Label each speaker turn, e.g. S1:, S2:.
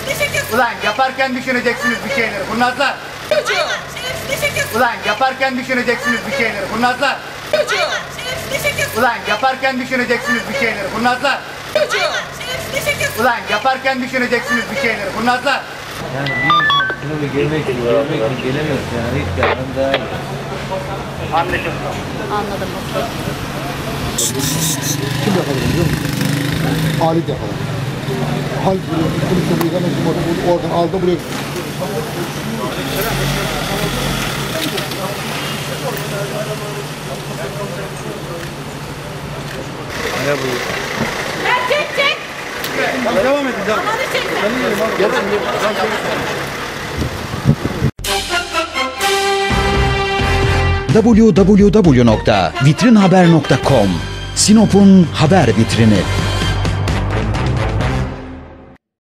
S1: Ulan yaparken düşüneceksiniz bir şeyleri kurnazlar. Ulan yaparken düşüneceksiniz bir şeyleri kurnazlar. Ulan yaparken düşüneceksiniz bir şeyleri kurnazlar. Ulan yaparken düşüneceksiniz bir şeyleri kurnazlar.
S2: Yani bir insan gelmek gelemiyoruz yani hiç gelmem daha iyi.
S1: Anlaşıldı.
S3: Anladım.
S4: Kim yakaladı biliyor musun? Halit yakaladı. Halit buraya gittim, soruyu hemen oradan aldı buraya.
S2: Ne bu?
S3: Çek.
S4: Devam edin, devam.
S3: Hadi çek.
S5: www.vitrinhaber.com Sinop'un haber vitrini.